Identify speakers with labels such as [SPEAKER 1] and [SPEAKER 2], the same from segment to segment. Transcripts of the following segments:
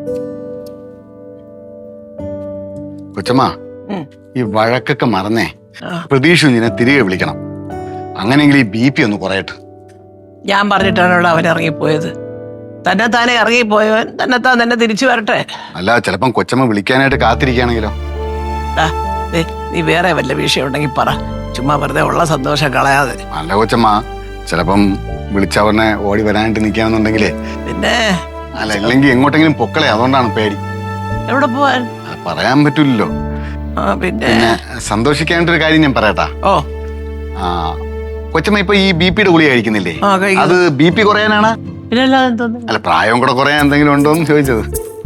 [SPEAKER 1] കൊച്ചമ്മ, ഈ വഴക്കൊക്കെ മറന്നേ പ്രതീക്ഷ നിന്നെ തിരികെ വിളിക്കണം. അങ്ങനെയെങ്കിൽ ഈ BP ഒന്ന് കുറയട്ടെ.
[SPEAKER 2] ഞാൻ പറഞ്ഞിട്ടാണല്ലോ അവൻ ഇറങ്ങിപ്പോയത്. താനെ ഇറങ്ങിപ്പോയവൻ തന്നെ തിരിച്ചു വരട്ടെ.
[SPEAKER 1] അല്ല, ചിലപ്പം കൊച്ചമ്മ വിളിക്കാനായിട്ട് കാത്തിരിക്കുകയാണെങ്കിലോ?
[SPEAKER 2] നീ വേറെ വല്ല വിഷയം ഉണ്ടെങ്കിൽ പറ, ചുമ്മാ വെറുതെ ഉള്ള സന്തോഷം കളയാതെ.
[SPEAKER 1] അല്ല കൊച്ചമ്മ, ചിലപ്പം വിളിച്ചവനെ ഓടി വരാനായിട്ട് നിൽക്കുകയാണെന്നുണ്ടെങ്കിലേ
[SPEAKER 2] പിന്നെ
[SPEAKER 1] അല്ല, ഇല്ലെങ്കിൽ എങ്ങോട്ടെങ്കിലും പൊക്കളെ, അതുകൊണ്ടാണ് പേടി.
[SPEAKER 2] എവിടെ പോവാൻ
[SPEAKER 1] പറയാൻ പറ്റൂലല്ലോ.
[SPEAKER 2] പിന്നെ
[SPEAKER 1] സന്തോഷിക്കാനായിട്ടൊരു കാര്യം ഞാൻ പറയട്ടാ. കൊച്ചമ്മ ഇപ്പൊ ഈ BP-യുടെ ഗുളിക കഴിക്കുന്നില്ലേ? അത് BP കുറയാനാണ്? അല്ല, പ്രായം കൂടെ കുറയാൻ എന്തെങ്കിലും ഉണ്ടോ എന്ന് ചോദിച്ചത്.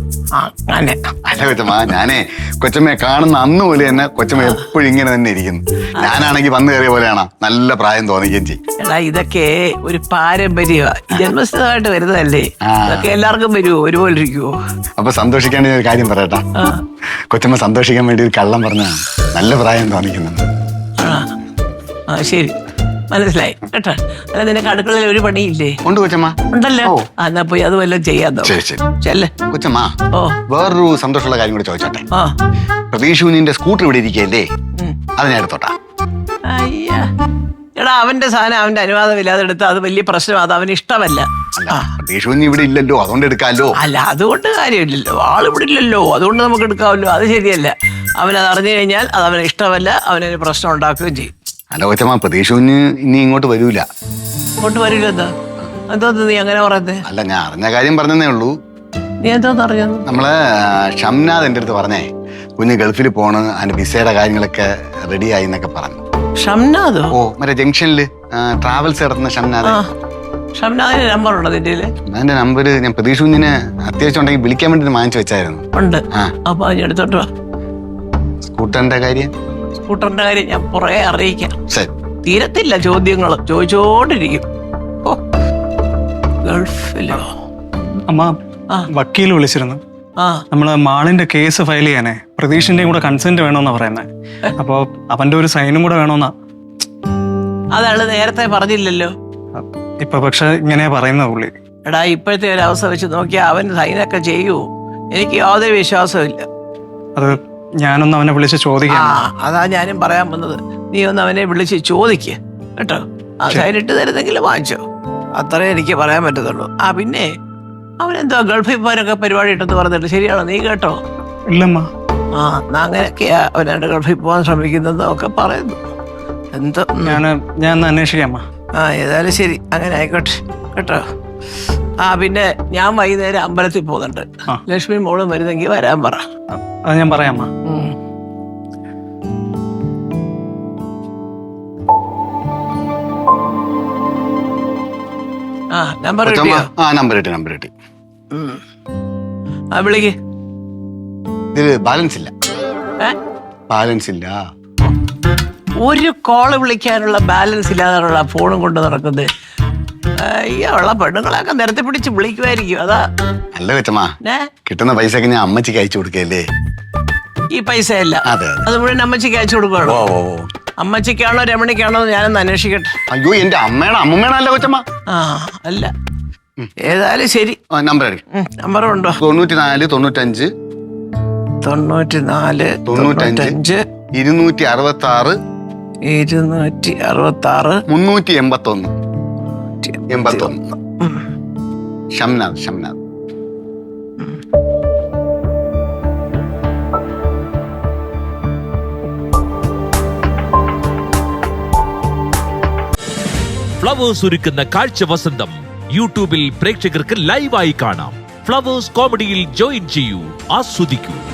[SPEAKER 1] അല്ല കൊച്ചമ്മ, ഞാനേ കൊച്ചമ്മയെ കാണുന്ന അന്ന് പോലെ തന്നെ കൊച്ചമ്മ എപ്പോഴും ഇങ്ങനെ തന്നെ ഇരിക്കുന്നു. ഞാനാണെങ്കിൽ വന്നു കയറിയ പോലെയാണ്, നല്ല പ്രായം തോന്നിക്കുകയും ചെയ്യും.
[SPEAKER 2] എടാ, ഇതൊക്കെ ഒരു പാരമ്പര്യമാണ്, ജന്മസ്ഥിതമായിട്ട് വരുന്നതല്ലേ. ഇതൊക്കെ എല്ലാവർക്കും വരുമോ? ഒരുപോലെ ഇരിക്കുവോ?
[SPEAKER 1] അപ്പൊ സന്തോഷിക്കാൻ ഒരു കാര്യം പറയട്ടാ. കൊച്ചമ്മ സന്തോഷിക്കാൻ വേണ്ടി ഒരു കള്ളം പറഞ്ഞാണ് നല്ല പ്രായം തോന്നിക്കുന്നുണ്ട്.
[SPEAKER 2] ശരി, മനസ്സിലായി കേട്ടോ. അല്ല, നിനക്ക് അടുക്കളയിൽ ഒരു പണിയില്ലേ?
[SPEAKER 1] ഉണ്ട് കൊച്ചമ്മ.
[SPEAKER 2] ഉണ്ടല്ലോ. എന്നാ പോയി അത് വല്ലതും ചെയ്യാതോ. ചെല്ലേ
[SPEAKER 1] കൊച്ചമ്മ. വേറൊരു സന്തോഷമുള്ള കാര്യം കൂടെ ചോദിച്ചോട്ടെ. പ്രതീക്ഷ കുഞ്ഞിന്റെ സ്കൂട്ടർ ഇവിടെ ഇരിക്കല്ലേ, അത് ഞാൻ എടുത്തോട്ടാ.
[SPEAKER 2] അയ്യാ, എടാ, അവന്റെ സാധനം അവന്റെ അനുവാദമില്ലാതെ എടുത്ത് അത് വലിയ പ്രശ്നം. അത് അവന് ഇഷ്ടമല്ല.
[SPEAKER 1] പ്രതീക്ഷ കുഞ്ഞ് ഇവിടെ ഇല്ലല്ലോ, അതുകൊണ്ട് എടുക്കാമല്ലോ.
[SPEAKER 2] അല്ല, അതുകൊണ്ട് കാര്യമില്ലല്ലോ, ആളിവിടെ ഇല്ലല്ലോ, അതുകൊണ്ട് നമുക്ക് എടുക്കാമല്ലോ. അത് ശരിയല്ല. അവനത് അറിഞ്ഞു കഴിഞ്ഞാൽ അത് അവന് ഇഷ്ടമല്ല, അവനൊരു പ്രശ്നം ഉണ്ടാക്കുകയും ചെയ്യും.
[SPEAKER 1] അല്ല കൊച്ചമ്മ, പ്രതീക്ഷ കുഞ്ഞ് ഇനി ഇങ്ങോട്ട് വരൂല.
[SPEAKER 2] ഇങ്ങോട്ട് വരില്ല? എന്തോ നീ അങ്ങനെ പറഞ്ഞേ?
[SPEAKER 1] അല്ല, ഞാൻ അറിഞ്ഞ കാര്യം പറഞ്ഞതേ ഉള്ളൂ.
[SPEAKER 2] നീ എന്തോന്ന് അറിഞ്ഞത്?
[SPEAKER 1] നമ്മള് ഷംനാഥ് എന്റെ അടുത്ത് പറഞ്ഞേ, കുഞ്ഞ് ഗൾഫിൽ പോണ്, അതിന്റെ വിസയുടെ കാര്യങ്ങളൊക്കെ റെഡി ആയി എന്നൊക്കെ പറഞ്ഞു.
[SPEAKER 2] ഷംനാഥോ?
[SPEAKER 1] ഓ, മറ്റേ ജംഗ്ഷനില് ട്രാവൽസ് നടത്തുന്ന ഷംനാഥ്.
[SPEAKER 2] ഷംനാഥിന്റെ നമ്പർ ഉണ്ടോ നിന്റെ?
[SPEAKER 1] അതിന്റെ നമ്പർ ഞാൻ പ്രതീക്ഷ കുഞ്ഞിനെ അത്യാവശ്യം ഉണ്ടെങ്കിൽ വിളിക്കാൻ വേണ്ടി വാങ്ങിച്ചു വെച്ചായിരുന്നു.
[SPEAKER 2] ഉണ്ട്. അപ്പൊ എടുത്തോട്ടോ.
[SPEAKER 1] സ്കൂട്ടറിന്റെ കാര്യം
[SPEAKER 2] ഞാൻ പുറകെ അറിയിക്കാം. തീരത്തില്ല ചോദ്യങ്ങൾ, ചോദിച്ചോണ്ടിരിക്കും. ഗൾഫിലോ?
[SPEAKER 3] അമ്മ, വക്കീൽ വിളിച്ചിരുന്നു. നമ്മള് മാളിന്റെ കേസ് ഫയൽ ചെയ്യാനേ പ്രതീഷിന്റെയും കൂടെ കൺസെന്റ് വേണമെന്നാ പറയുന്നത്. അപ്പൊ അവന്റെ ഒരു സൈനും കൂടെ വേണമെന്നാ.
[SPEAKER 2] അതാണ് നേരത്തെ പറഞ്ഞില്ലല്ലോ.
[SPEAKER 3] ഇപ്പൊ പക്ഷെ ഇങ്ങനെയാ പറയുന്നത് പുള്ളി.
[SPEAKER 2] എടാ, ഇപ്പോഴത്തെ ഒരു അവസ്ഥ വെച്ച് നോക്കിയാൽ അവൻ സൈനൊക്കെ ചെയ്യൂ. എനിക്ക് യാതൊരു വിശ്വാസമില്ല.
[SPEAKER 3] അത് ഞാനൊന്ന് അവനെ വിളിച്ച് ചോദിക്കാം.
[SPEAKER 2] അതാ ഞാനും പറയാൻ വന്നത്. നീ ഒന്ന് അവനെ വിളിച്ച് ചോദിക്ക് കേട്ടോ. ആ സൈനിട്ട് തരുന്നെങ്കിലും വാങ്ങിച്ചോ, അത്രേ എനിക്ക് പറയാൻ പറ്റത്തുള്ളൂ. പിന്നെ അവനെന്തോ ഗൾഫിൽ പോകാനൊക്കെ പരിപാടി ഇട്ടെന്ന് പറഞ്ഞിട്ട് ശരിയാണോ? നീ കേട്ടോ?
[SPEAKER 3] ഇല്ലമ്മ.
[SPEAKER 2] അങ്ങനെയൊക്കെയാ അവനായിട്ട് ഗൾഫിൽ പോകാൻ ശ്രമിക്കുന്നതൊക്കെ പറയുന്നു. എന്തോ
[SPEAKER 3] ഞാൻ അന്വേഷിക്കാം.
[SPEAKER 2] ഏതായാലും ശരി, അങ്ങനെ ആയിക്കോട്ടെ കേട്ടോ. പിന്നെ ഞാൻ വൈകുന്നേരം അമ്പലത്തിൽ പോകുന്നുണ്ട്. ലക്ഷ്മി മോളും വരുന്നെങ്കിൽ വരാൻ പറ.
[SPEAKER 3] അത് ഞാൻ പറയാം.
[SPEAKER 2] നമ്പർ
[SPEAKER 1] നമ്പർ
[SPEAKER 2] വിളിക്ക്.
[SPEAKER 1] ഇതില് ബാലൻസ് ഇല്ല.
[SPEAKER 2] ഒരു കോള് വിളിക്കാനുള്ള ബാലൻസ് ഇല്ലാതെയുള്ള ഫോണും കൊണ്ട് നടക്കുന്നത്. ഉള്ള പെണ്ണുങ്ങളൊക്കെ നിരത്തി പിടിച്ച് വിളിക്കുമായിരിക്കും. അതാ.
[SPEAKER 1] അല്ല കൊച്ചമ്മ, കിട്ടുന്ന പൈസക്ക് ഞാൻ അമ്മച്ചിക്ക് അയച്ചു കൊടുക്കല്ലേ.
[SPEAKER 2] ഈ പൈസയല്ല, അത് മുഴുവൻ അമ്മച്ചിക്ക് അയച്ചു കൊടുക്കുകയാണോ? അമ്മച്ചിക്കാണോ രമണിക്കാണോ ഞാനൊന്ന് അന്വേഷിക്കട്ടെ.
[SPEAKER 1] അയ്യോ, എന്റെ അമ്മമ്മേണല്ല കൊച്ചമ്മ.
[SPEAKER 2] അല്ല, ഏതായാലും ശരി. നമ്പർ ഉണ്ടോ?
[SPEAKER 1] 94 95
[SPEAKER 2] 94 95
[SPEAKER 1] 266 381 ഷംനാഥ്.
[SPEAKER 4] ഫ്ലവേഴ്സ് ഒരുക്കുന്ന കാഴ്ച വസന്തം യൂട്യൂബിൽ പ്രേക്ഷകർക്ക് ലൈവായി കാണാം. ഫ്ലവേഴ്സ് കോമഡിയിൽ ജോയിൻ ചെയ്യൂ, ആസ്വദിക്കൂ.